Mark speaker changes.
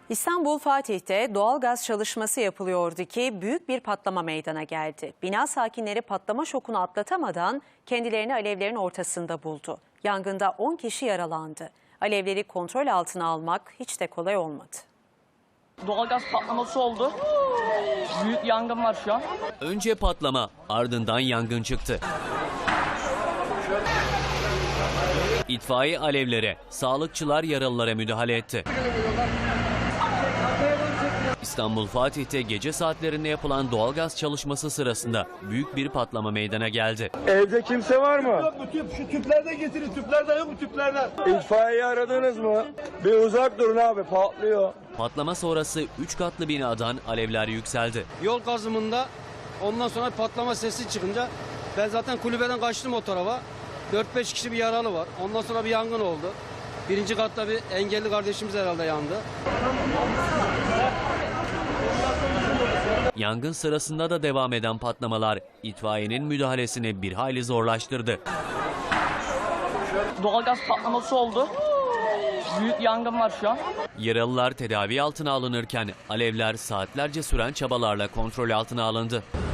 Speaker 1: İstanbul Fatih'te doğalgaz çalışması yapılıyordu ki büyük bir patlama meydana geldi. Bina sakinleri patlama şokunu atlatamadan kendilerini alevlerin ortasında buldu. Yangında 10 kişi yaralandı. Alevleri kontrol altına almak hiç de kolay olmadı.
Speaker 2: Doğalgaz patlaması oldu. Büyük yangın var şu an.
Speaker 3: Önce patlama, ardından yangın çıktı. İtfaiye alevlere, sağlıkçılar yaralılara müdahale etti. İstanbul Fatih'te gece saatlerinde yapılan doğalgaz çalışması sırasında büyük bir patlama meydana geldi.
Speaker 4: Evde kimse var mı?
Speaker 5: Yok mu tüp? Şu tüplerden getirin. Tüplerden yok mu tüplerden?
Speaker 4: İtfaiyeyi aradınız mı? Bir uzak durun abi, patlıyor.
Speaker 3: Patlama sonrası 3 katlı binadan alevler yükseldi.
Speaker 6: Yol kazımında ondan sonra patlama sesi çıkınca ben zaten kulübeden kaçtım o tarafa. 4-5 kişi bir yaralı var. Ondan sonra bir yangın oldu. Birinci katta bir engelli kardeşimiz herhalde yandı.
Speaker 3: Yangın sırasında da devam eden patlamalar itfaiyenin müdahalesini bir hayli zorlaştırdı.
Speaker 2: Doğalgaz patlaması oldu. Büyük yangın var şu an.
Speaker 3: Yaralılar tedavi altına alınırken alevler saatlerce süren çabalarla kontrol altına alındı.